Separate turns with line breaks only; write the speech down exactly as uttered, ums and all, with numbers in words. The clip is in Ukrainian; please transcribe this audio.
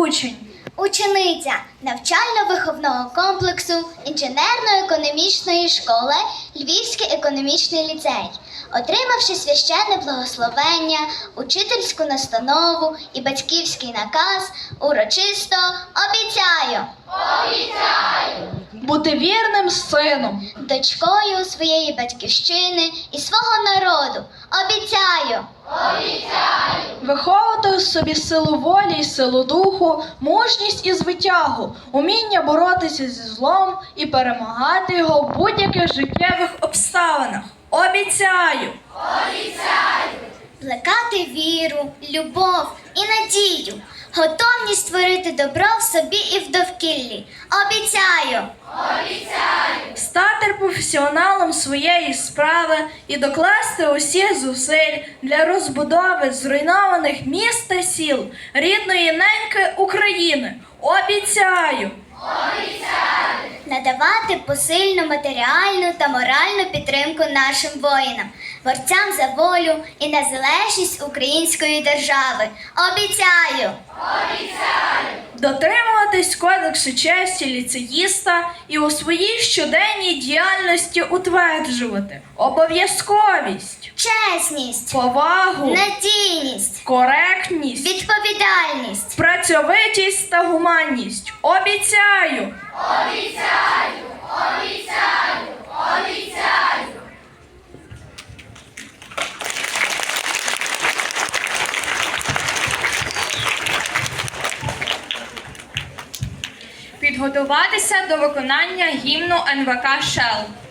учень.
Учениця навчально-виховного комплексу інженерно-економічної школи Львівський економічний ліцей, отримавши священне благословення, учительську настанову і батьківський наказ, урочисто обіцяю
Бути вірним сином.
дочкою своєї батьківщини і свого народу. Обіцяю
Виховувати у собі силу волі і силу духу, мужність і звитягу, уміння боротися зі злом і перемагати його в будь-яких життєвих обставинах. Обіцяю!
плекати віру, любов і надію, готовність створити добро в собі і в довкіллі. Обіцяю
Стати професіоналом своєї справи і докласти усіх зусиль для розбудови зруйнованих міст та сіл рідної неньки України. Обіцяю!
надавати посильну матеріальну та моральну підтримку нашим воїнам, борцям за волю і незалежність української держави. Обіцяю
Дотримуватись кодексу честі ліцеїста і у своїй щоденній діяльності утверджувати обов'язковість,
чесність,
повагу,
надійність,
коректність,
відповідальність.
працьовитість та гуманність. Обіцяю!
Підготуватися до виконання гімну ен ве ка «Шел».